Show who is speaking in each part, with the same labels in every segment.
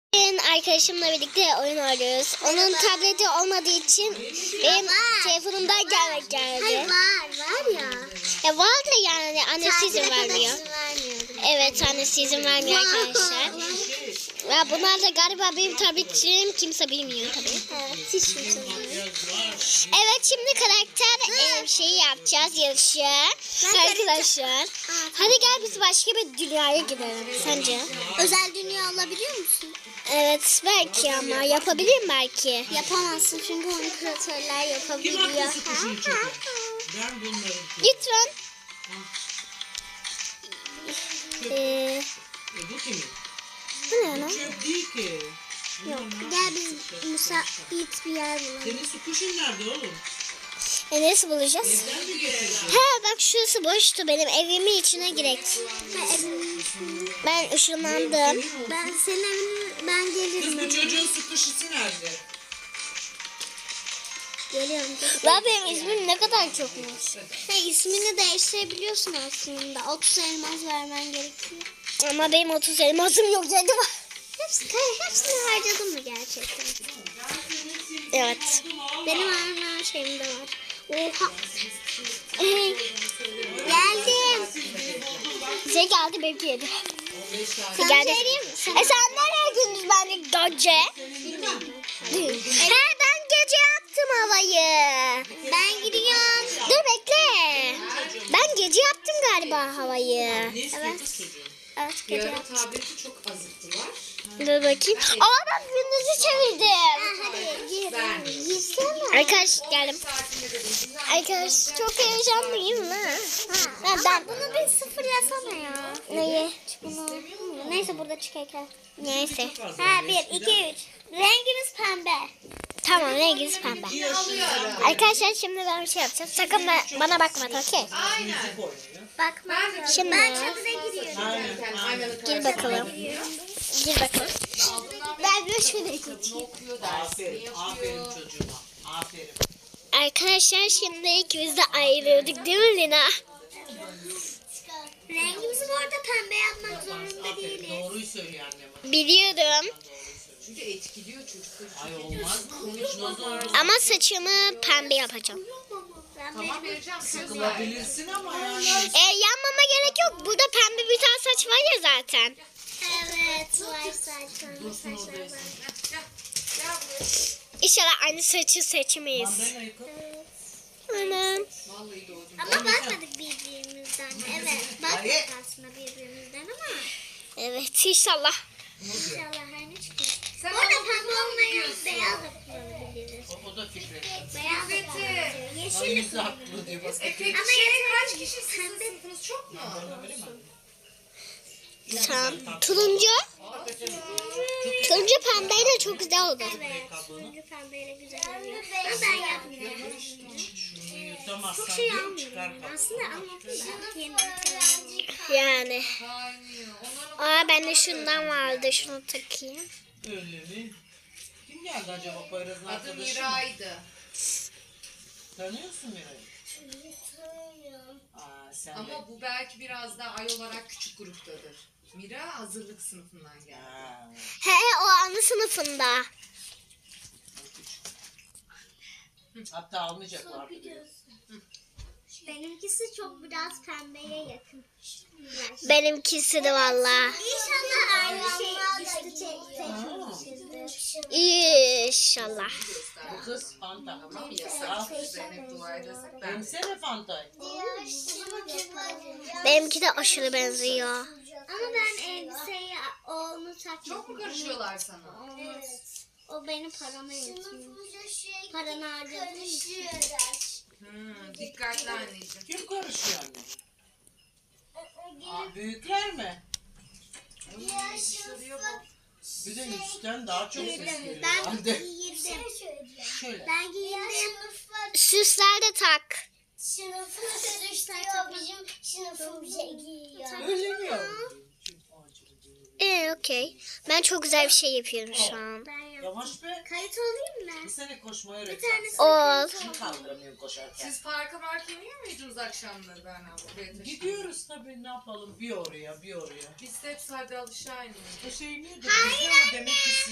Speaker 1: Bugün arkadaşımla birlikte oyun oynuyoruz. Onun tableti olmadığı için benim telefonumdan geldi.
Speaker 2: Hayır var ya.
Speaker 1: Ya var da yani annesi izin vermiyor. Evet, annesi izin vermiyor arkadaşlar. Ya bunlar da galiba benim tabletçilerim, kimse bilmiyor tabii.
Speaker 2: Evet, hiç kimse bilmiyor.
Speaker 1: Evet, şimdi karakter şeyi yapacağız, yarışı. Arkadaşlar. Hadi gel biz başka bir dünyaya gidelim sence?
Speaker 2: Özel dünya alabiliyor musun?
Speaker 1: Evet, belki ama yapabilirim belki.
Speaker 2: Yapamazsın çünkü onu kreatörler yapabiliyor.
Speaker 1: Lütfen.
Speaker 3: Bu kimin?
Speaker 1: Bu ne lan?
Speaker 3: Çöp değil ki.
Speaker 2: Yok. Gel biz müsait bir yer bulalım.
Speaker 3: Senin su kuşun nerede oğlum?
Speaker 1: Nasıl bulacağız?
Speaker 3: Evden mi getirdin?
Speaker 1: He bak, şurası boştu, benim evimin içine girek. Ben ışınlandım.
Speaker 2: Ben senin evine ben gelirim.
Speaker 3: Kız bu çocuğun su kuşusu nerede?
Speaker 2: Geliyorum.
Speaker 1: Lan benim ismim ne kadar çokmuş.
Speaker 2: İsmini değiştirebiliyorsun aslında. 30 elmas vermen gerekiyor.
Speaker 1: Ama benim 30 elmasım yok dedim.
Speaker 2: Hepsini harcadın mı gerçekten?
Speaker 1: Evet.
Speaker 2: Benim her şeyimde var. Oha. Geldim.
Speaker 1: Bize geldi, benimki yedi.
Speaker 2: Sana
Speaker 1: Geldi.
Speaker 2: söyleyeyim mi?
Speaker 1: Sen nereye gündüz, ben de gece? He, ben gece yaptım havayı.
Speaker 2: Ben gidiyorum.
Speaker 1: Dur bekle. Ben gece yaptım galiba havayı.
Speaker 3: Ne istiyor kız çocuğun?
Speaker 2: Evet,
Speaker 4: Bir
Speaker 2: gece
Speaker 4: ara
Speaker 2: yaptım.
Speaker 4: tableti çok azıttılar.
Speaker 1: Dur bakayım. Aa, ben gündüzü çevirdim.
Speaker 2: Hadi gir.
Speaker 4: Ben.
Speaker 2: Girsene.
Speaker 1: Arkadaş geldim.
Speaker 4: Saatinde dedim.
Speaker 1: Arkadaş çok heyecanlıyım ha.
Speaker 2: Ben bunu bir sıfırlasana ya.
Speaker 1: Neyi?
Speaker 2: Bunu. Neyse burada çıkarken.
Speaker 1: Neyse.
Speaker 2: Ha 1, 2, 3. Rengimiz pembe.
Speaker 1: Tamam, renginiz pembe. Arkadaşlar şimdi ben bir şey yapacağım. Sakın bana bakma, okey?
Speaker 4: Aynen.
Speaker 2: Bakma.
Speaker 1: Şimdi
Speaker 2: Ben çatıda giriyorum.
Speaker 4: Aynen. Aynanın
Speaker 1: gir
Speaker 4: karşısına
Speaker 1: bakalım.
Speaker 4: giriyor.
Speaker 1: Gir bakalım.
Speaker 2: Ben bir şöyle
Speaker 4: Kitabını okuyor, dersini
Speaker 3: Aferin
Speaker 4: yapıyor.
Speaker 3: çocuğuma. Aferin.
Speaker 1: Arkadaşlar şimdi ikimiz de ayrıldık değil mi Lina?
Speaker 2: Rengimizi bu arada pembe yapmak zorunda değiliz.
Speaker 3: Doğruyu söylüyor annem.
Speaker 1: Biliyorum.
Speaker 4: Çünkü etkiliyor çocukları.
Speaker 3: Ay olmaz mı? Konuşmaz olur.
Speaker 1: Ama saçımı pembe yapacağım.
Speaker 4: Tamam vereceğim. Söz ver.
Speaker 3: Sıkılabilirsin ama yani.
Speaker 1: Yanmama gerek yok. Burada pembe bir tane saç var ya zaten.
Speaker 2: Evet, var saçlar var.
Speaker 1: İnşallah aynı saçı seçmeyiz.
Speaker 3: Mandalina yıkı.
Speaker 1: Anam.
Speaker 4: Vallahi doğdum.
Speaker 2: Ama bakmadık birbirimizden. Evet, bakmadık aslında birbirimizden ama
Speaker 1: Evet, inşallah.
Speaker 2: inşallah her ne çıkıyor.
Speaker 4: Sen
Speaker 2: Orada
Speaker 4: ama
Speaker 2: pembe olmayan
Speaker 4: diyorsun.
Speaker 2: beyaz da kullanabiliriz.
Speaker 3: O da Fikret.
Speaker 2: Beyaz da kullanabiliriz. Yeşil de
Speaker 3: Hangisi
Speaker 2: kullanabiliriz.
Speaker 3: haklı diye bak.
Speaker 4: Peki
Speaker 2: Ama
Speaker 4: kaç kişi sizin sınıfınız çok mu?
Speaker 1: Tamam. Turuncu. Turuncu pembeyle çok güzel oldu.
Speaker 2: Evet, turuncu pembeyle güzel oluyor. Ama ben yapmıyorum.
Speaker 3: Şunu yutamazsan
Speaker 2: Çok şey
Speaker 3: diyor, çıkar
Speaker 2: almıyorum.
Speaker 3: kapı.
Speaker 2: Aslında anlattım da.
Speaker 1: Yani.
Speaker 4: Kaynıyor. Onların
Speaker 1: Aa, bende şundan vardı. Şunu takayım.
Speaker 3: Öyle mi? Kim geldi acaba Poyraz'ın
Speaker 4: adı
Speaker 3: arkadaşı mı?
Speaker 4: Miray'dı.
Speaker 3: Tanıyorsun Miray'ı? Aa, sen de.
Speaker 4: Ama bu belki biraz daha ay olarak küçük gruptadır. Mira hazırlık sınıfından geldi.
Speaker 3: Ha,
Speaker 1: He, o anı sınıfında.
Speaker 3: hatta almayacaklardı diyor.
Speaker 2: Benimkisi çok biraz pembeye yakın.
Speaker 1: Benimkisi de valla.
Speaker 2: İnşallah aynı şey üstü seçmişizdir.
Speaker 1: İnşallah.
Speaker 3: Bu kız Fanta.
Speaker 4: Tamam yasak. Zeynep dua edersek ben.
Speaker 3: Emsene Fanta'yı.
Speaker 1: Benimki de aşırı benziyor.
Speaker 2: Ama ben elbiseyi onu takmadım.
Speaker 4: Çok mu karışıyorlar sana?
Speaker 2: Evet. O benim paramı yetiyor. Paranı harcadığım için.
Speaker 4: Dikkatli anneciğim.
Speaker 3: Kim karışıyor anne? Aa, büyükler mi?
Speaker 4: Dışarıya bak.
Speaker 3: Bir de üstten daha çok ses geliyor.
Speaker 2: Ben
Speaker 3: Hande.
Speaker 2: giyindim.
Speaker 3: Şöyle.
Speaker 2: Ben giyindim.
Speaker 1: Süsler de tak.
Speaker 2: Sınıfı karıştırıyor. Bizim sınıfımıza giyiyor.
Speaker 3: Öyle mi?
Speaker 1: Okey. Ben çok güzel bir şey yapıyorum şu an.
Speaker 2: Ben yaptım.
Speaker 3: Yavaş be.
Speaker 2: Kayıt olayım mı?
Speaker 3: Bir sene koşmayı
Speaker 2: Bir
Speaker 3: öğretsen.
Speaker 2: tanesi
Speaker 1: Ol.
Speaker 3: Kim kaldıramıyor koşarken?
Speaker 4: Siz parka marka iniyor muydunuz akşamları ben abi? Buraya taşındım.
Speaker 3: Gidiyoruz tabii, ne yapalım, bir oraya bir oraya.
Speaker 4: Biz de hep sadece aşağı iniyoruz.
Speaker 3: O şey niye de güzel ama demek ki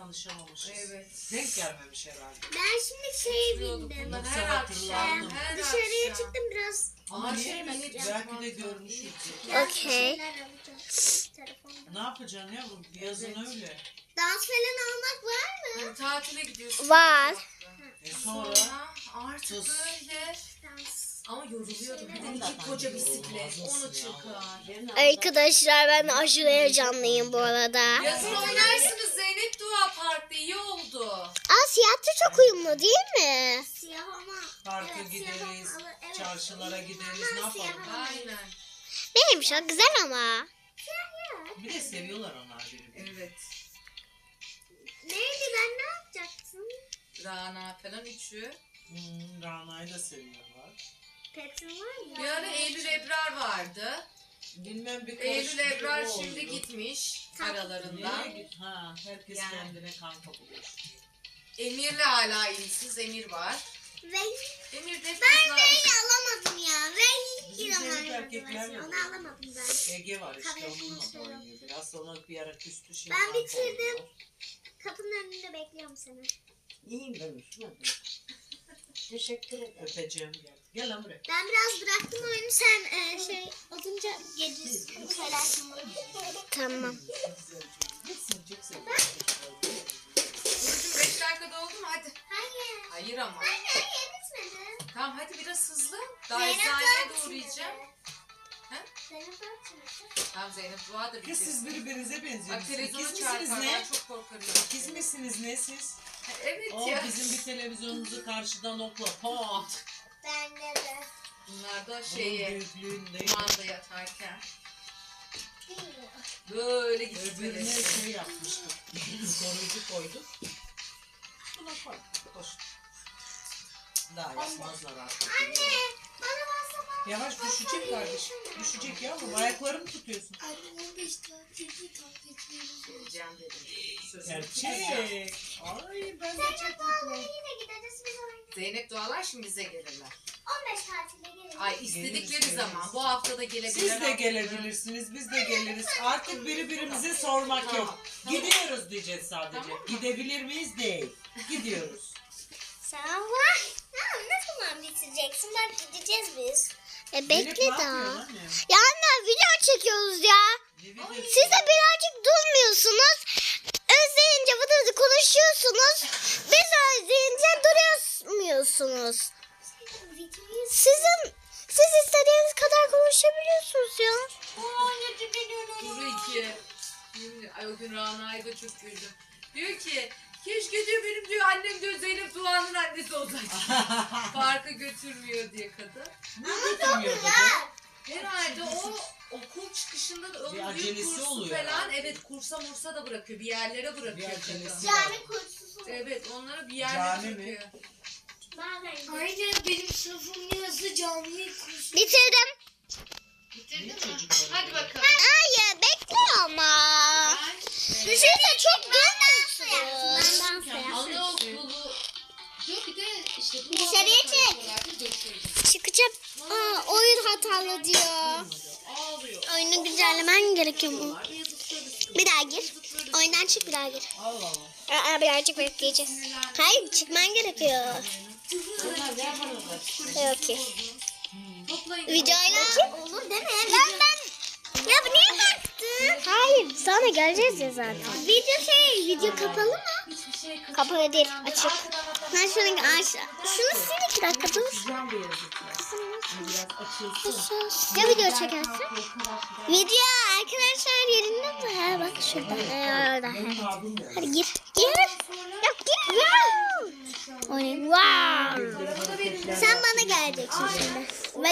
Speaker 3: tanışamamışız.
Speaker 4: Evet.
Speaker 3: Denk gelmemiş herhalde.
Speaker 2: Ben şimdi şeye
Speaker 4: Oturuyorduk
Speaker 2: bindim.
Speaker 4: bunlar
Speaker 3: Yoksa
Speaker 4: her
Speaker 3: hatırlardım.
Speaker 4: akşam. Her
Speaker 2: Dışarıya
Speaker 4: akşam.
Speaker 2: çıktım biraz.
Speaker 3: Ama niye?
Speaker 4: şey beni
Speaker 3: Belki de görmüşüz.
Speaker 2: Biraz
Speaker 1: Okey.
Speaker 2: şeyler alacağım. Telefonda.
Speaker 3: Ne yapacaksın yavrum? Yazın öyle.
Speaker 2: Dans falan almak var mı?
Speaker 4: Yani tatile gidiyorsun.
Speaker 1: Var.
Speaker 3: Sonra
Speaker 4: Artık
Speaker 3: Sus.
Speaker 4: böyle.
Speaker 2: Dans.
Speaker 4: Ama yoruluyordum. Bir de iki koca bisiklet. Onu çıkar.
Speaker 1: Arkadaşlar ben aşırı heyecanlıyım bu arada.
Speaker 4: Yazın oynarsınız Zeynep Dua Park'ta. İyi oldu.
Speaker 1: Aa siyahta çok uyumlu değil mi?
Speaker 2: Siyah ama.
Speaker 3: parka
Speaker 2: Evet, siyah
Speaker 3: gideriz,
Speaker 2: ama- evet.
Speaker 3: çarşılara gideriz, ne
Speaker 2: Ama siyah
Speaker 3: yapalım?
Speaker 2: ama-
Speaker 4: Aynen.
Speaker 1: Neymiş o güzel ama.
Speaker 3: Bir de seviyorlar onlar birbirini.
Speaker 4: Evet.
Speaker 2: Neydi ben ne yapacaktım?
Speaker 4: Rana falan üçü.
Speaker 3: Rana'yı da seviyorlar.
Speaker 2: Petin var mı?
Speaker 4: Bir ara Eylül Ebrar vardı.
Speaker 3: Bilmem bir
Speaker 4: Eylül Ebrar
Speaker 3: karışıklık
Speaker 4: şimdi
Speaker 3: oldu.
Speaker 4: gitmiş
Speaker 2: Tamam.
Speaker 4: aralarından.
Speaker 3: Nereye git? Ha, herkes
Speaker 4: Yani.
Speaker 3: kendine kanka buluyor.
Speaker 4: Emir'le hala iyisiz. Emir var.
Speaker 2: Ve
Speaker 4: Emir de
Speaker 2: ben
Speaker 4: kızlar.
Speaker 2: Rey'i alamadım ya. Rey
Speaker 3: Bizim
Speaker 2: İran
Speaker 3: Zeynep erkekler
Speaker 2: versiyonu.
Speaker 3: mi?
Speaker 2: Onu alamadım ben.
Speaker 3: Ege var işte
Speaker 2: Kahretsin
Speaker 3: onunla
Speaker 2: olsun.
Speaker 3: da oynuyor. Biraz sonra bir ara küstü şimdi.
Speaker 2: Ben
Speaker 3: kanka
Speaker 2: bitirdim.
Speaker 3: oluyorlar.
Speaker 2: Kapının önünde bekliyorum seni.
Speaker 5: İyiyim ben Müslüman. Teşekkür ederim.
Speaker 3: Öpeceğim gel. Gel lan buraya.
Speaker 2: Ben biraz bıraktım oyunu. Sen şey olunca gece söylersin bana.
Speaker 1: Tamam.
Speaker 3: Gitsin çıksın.
Speaker 4: Burcu'm 5 dakika doldu mu? Hadi.
Speaker 2: Hayır.
Speaker 4: Hayır ama.
Speaker 2: Hayır bitmedi.
Speaker 4: Tamam hadi biraz hızlı. Daha
Speaker 2: Zeynep
Speaker 4: eczaneye
Speaker 2: Dağ
Speaker 4: de uğrayacağım.
Speaker 2: bitmedi.
Speaker 4: He?
Speaker 2: Zeynep Dağ bitmedi.
Speaker 4: Tamam Zeynep Dua da
Speaker 3: Kız
Speaker 4: bitirsin.
Speaker 3: siz birbirinize
Speaker 4: Bak
Speaker 3: benziyorsunuz.
Speaker 4: televizyonu
Speaker 3: İkiz misiniz
Speaker 4: çarpar.
Speaker 3: ne?
Speaker 4: Ben çok korkarım.
Speaker 3: İkiz misiniz ne siz?
Speaker 4: Evet
Speaker 3: O
Speaker 4: ya.
Speaker 3: bizim bir televizyonumuzu karşıdan okla. Pat.
Speaker 2: Bende de.
Speaker 4: Bunlar da
Speaker 3: Onun
Speaker 4: şeye.
Speaker 3: büyüklüğünde.
Speaker 4: Kumanda yatarken.
Speaker 2: Bilmiyorum.
Speaker 4: Böyle
Speaker 3: Öbürüne
Speaker 4: gitmeleri.
Speaker 3: şey yapmıştık. Koruyucu koyduk. Buna koy. Koş. Daha yapmazlar artık.
Speaker 2: Anne bana WhatsApp'a.
Speaker 3: Yavaş düşecek kardeşim. Düşecek yavrum. Ayaklarımı tutuyorsun.
Speaker 2: Anne 15 tatilde takipçilerimiz
Speaker 4: Geleceğim dedim. Sözünü
Speaker 3: Gerçek.
Speaker 4: tutacağım.
Speaker 3: Ay ben de çok
Speaker 2: Zeynep Dağ'la
Speaker 3: mutluyum.
Speaker 2: yine gideriz biz oynayalım.
Speaker 4: Zeynep Dualar şimdi bize gelirler.
Speaker 2: 15 tatilde geliriz.
Speaker 4: Ay istedikleri
Speaker 3: Geliriz,
Speaker 4: zaman.
Speaker 3: geliriz.
Speaker 4: Bu hafta da gelebilirler.
Speaker 3: Siz de gelebilirsiniz, biz de geliriz. Artık birbirimize sormak yok. Gidiyoruz diyeceğiz sadece.
Speaker 4: Tamam mı?
Speaker 3: Gidebilir miyiz? Değil. Gidiyoruz.
Speaker 2: Sen var. Ne zaman bitireceksin? Bak gideceğiz biz.
Speaker 1: E
Speaker 3: Zeynep,
Speaker 1: bekle
Speaker 3: ne yapıyorsun
Speaker 1: daha.
Speaker 3: anne?
Speaker 1: Ya anne video çekiyoruz ya.
Speaker 3: Ne videosu?
Speaker 1: Siz de birazcık durmuyorsunuz. Özleyince vıdı konuşuyorsunuz. Biz özleyince duramıyorsunuz.
Speaker 2: Videoyu
Speaker 1: Siz istediğiniz kadar konuşabiliyorsunuz ya.
Speaker 4: Duru 2. Ay o gün Rana'yı da çok güldüm. Diyor ki keşke diyor benim diyor annem diyor Zeynep Doğan'ın annesi olsaydı. Parka götürmüyor diye kadın.
Speaker 3: Ne götürmüyordu be?
Speaker 4: Herhalde o okul çıkışında da
Speaker 3: Bir
Speaker 4: ön
Speaker 3: acelesi
Speaker 4: kursu
Speaker 3: oluyor
Speaker 4: falan
Speaker 3: herhalde.
Speaker 4: evet kursa mursa da bırakıyor. Bir yerlere bırakıyor
Speaker 3: Bir acelesi
Speaker 4: kadın.
Speaker 3: var.
Speaker 2: Cami kursusu.
Speaker 4: Evet onlara bir yerlere
Speaker 3: Cami mi?
Speaker 4: bırakıyor.
Speaker 2: Bazen
Speaker 5: Aynen benim sınıfım yazı canlı kursu.
Speaker 1: Bitirdim.
Speaker 3: Niye çocuklar?
Speaker 4: Hadi bakalım.
Speaker 1: Hayır bekle ama. Düşünse çok durmuyorsunuz.
Speaker 2: ben dans yaptım.
Speaker 4: Anaokulu. Yok bir de işte bu
Speaker 2: Dışarıya çek.
Speaker 1: Çıkacağım. Aa, oyun hatalı diyor.
Speaker 4: Ağlıyor.
Speaker 1: Oyunu güncellemen gerekiyor mu? Bir daha gir. Oyundan çık bir daha gir.
Speaker 3: Allah Allah.
Speaker 1: Birazcık bekleyeceğiz. Hayır çıkman gerekiyor. Okey.
Speaker 4: Toplayın.
Speaker 1: Videoyla olur değil mi? Ya bu niye baktın? Hayır sana geleceğiz ya zaten. Video kapalı mı? Kapalı değil açık. Ben şunu aşağı. Şunu sil 2 dakika dur. Ya video çekersin? Video arkadaşlar yerinde mi? Ha bak şurada. Orada. Hadi gir. Gir. Ya gir ya. Oynayın. Wow. Sen bana geleceksin şimdi. Vay.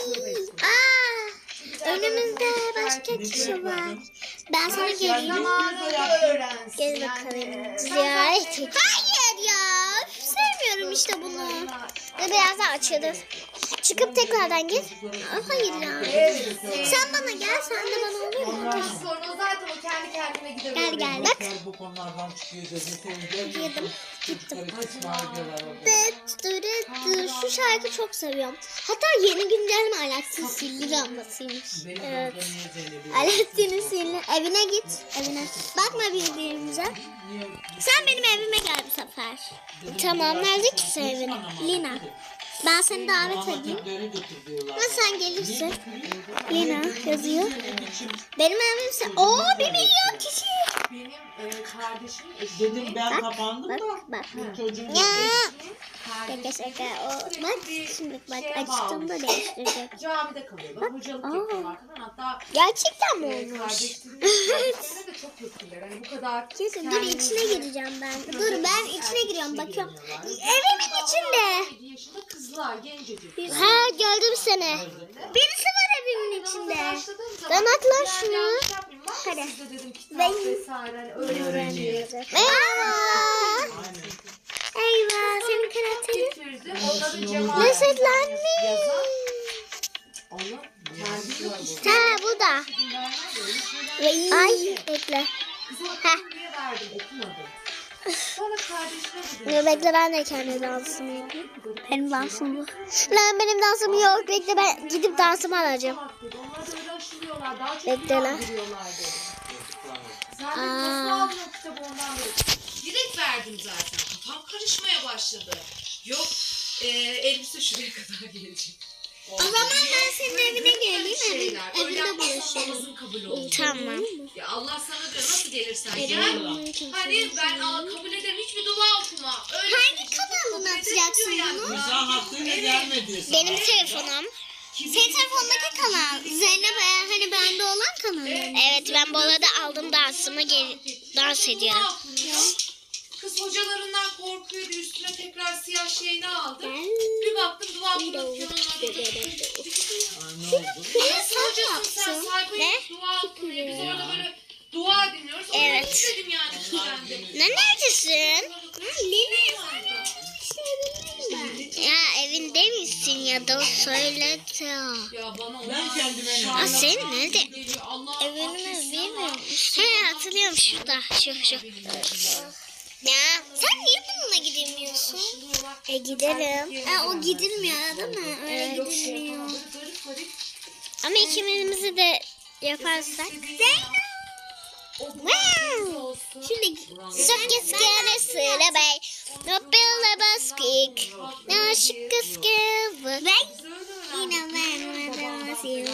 Speaker 1: Önümüzde başka kişi var. Ben sana geleyim. Gel bakalım. Ziyaret et. Hayır ya. Sevmiyorum işte bunu. Ve biraz daha açılır. Çıkıp tekrardan gir. Hayır ya. Sen bana gel. Sen de bana oluyor mu?
Speaker 4: Sonra zaten o kendi kendine gider.
Speaker 1: Gel bak.
Speaker 3: Bu konulardan çıkıyor gözünü seveyim.
Speaker 1: Girdim.
Speaker 3: Çocuklar için bağırıyorlar orada.
Speaker 1: Şu şarkı çok seviyorum. Hatta yeni güncelleme Alaaddin Sihirli Lambasıymış.
Speaker 3: Benim
Speaker 1: Evet.
Speaker 3: orada niye Zeynep'i?
Speaker 1: Alaaddin'in sihirli. Evine git. Evine. Bakma birbirimize. Sen benim evime gel bu sefer. Tamam, nerede ki senin evin? Lina. Ben seni davet edeyim. Ama sen gelirsin. Lina yazıyor. Benim evimse. Oo, 1 milyon kişi.
Speaker 4: Benim kardeşimin eşi.
Speaker 3: Dedim ben kapandım
Speaker 1: Bak
Speaker 3: da.
Speaker 1: bak.
Speaker 3: Çocuğum
Speaker 1: Ya.
Speaker 4: Kardeşim
Speaker 1: Şaka şaka. O, bak şimdi bak açtığımda değiştirecek.
Speaker 4: camide kalıyorlar. Hocalık yapıyorlar falan. Hatta
Speaker 1: Gerçekten mi olmuş?
Speaker 4: kardeşlerine de çok kötüler. Hani bu kadar
Speaker 1: Kesin dur, içine gireceğim ben. Dur, ben içine giriyorum, bakıyorum. Evimin içinde.
Speaker 4: 7 yaşında kızlar, gencecik.
Speaker 1: Ha, gördüm seni. Birisi var evimin içinde. Ben atlar şunu. Hadi.
Speaker 4: Ben vesaire hani öğrenci.
Speaker 1: Eyvah. Eyvah, senin karakterin
Speaker 4: getirdi. Onların cemaat
Speaker 1: lezzetlenmiş.
Speaker 4: Onu kendi yok işte.
Speaker 1: Ha, bu da. Ay, bekle.
Speaker 4: Kıza diye verdim, okumadım. Sonra kardeşine dedim.
Speaker 1: Dur, bekle, ben de kendi dansımı yapayım. Benim dansım bu. Lan benim dansım yok. Bekle, ben gidip dansımı alacağım.
Speaker 4: Onlar da öyle aşılıyorlar. Daha çok
Speaker 1: Bekle lan.
Speaker 4: yandırıyorlar dedim. Zaten nasıl almıyor kitabı ondan beri. Direkt verdim zaten. Kafam karışmaya başladı. Yok elbise şuraya kadar gelecek.
Speaker 1: O zaman ben senin evine geleyim.
Speaker 4: Şeyler. Öyle
Speaker 1: Evinde
Speaker 4: yapmazsan
Speaker 1: buluşalım.
Speaker 4: namazın kabul olmuyor.
Speaker 1: Tamam.
Speaker 4: Ya Allah sana diyor nasıl gelirsen gel. Hani ben kabul ederim hiçbir dua okuma. Öyle
Speaker 1: Hangi kanalına atacaksın bunu?
Speaker 3: Güzel hakkıyla gelmedi.
Speaker 1: Benim telefonum. Senin telefondaki kanal. Zeynep hani bende olan kanal. Evet, ben bu arada aldım dansımı, dans ediyorum.
Speaker 4: Kız hocalarından korkuyordu. Üstüne tekrar siyah şeyini aldım. Bir baktım dua okunuyor.
Speaker 3: Ne oldu?
Speaker 1: Sen yapsın. Ne?
Speaker 4: Dua okunuyor. Biz orada böyle dua dinliyoruz.
Speaker 1: Evet.
Speaker 4: Evet. Dedim yani kendim.
Speaker 1: Ne, neredesin? Ya evinde misin ya da söyle.
Speaker 4: Ya bana
Speaker 3: Ben kendime ne?
Speaker 1: Aa, senin nerede?
Speaker 4: geliyor. Allah
Speaker 1: Evini bilmiyorum. He, hatırlıyorum, şurada. Şu. Ya sen niye bununla gidemiyorsun? Gidelim. O gidilmiyor değil mi? Öyle gidilmiyor. Ama ikimizi de yaparsak. Wow. Şimdi sökeskene söyle bey. No billa baskik. No şıkkıskı. Bey. Yine ben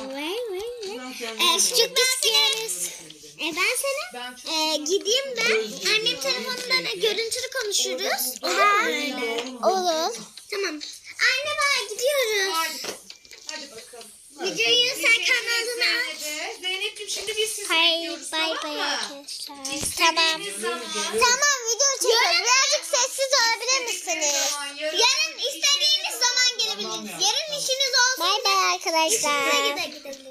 Speaker 1: sökeskeniz. Ben sana gideyim ben. Annem telefonundan görüntülü konuşuruz. Olur. Tamam. Anne, ben gidiyoruz.
Speaker 4: Hadi bakalım.
Speaker 1: Videoyu sen kanalına aç.
Speaker 4: Zeynep'ciğim şimdi biz sizi
Speaker 1: Hayır,
Speaker 4: bekliyoruz,
Speaker 1: bay
Speaker 4: tamam
Speaker 1: bay
Speaker 4: mı?
Speaker 1: arkadaşlar. Tamam.
Speaker 4: İstediğiniz zaman.
Speaker 1: Tamam, video çekiyoruz. Birazcık sessiz olabilir misiniz? Yarın istediğiniz zaman gelebilirsiniz. Yarın işiniz olsun. Bay bay arkadaşlar.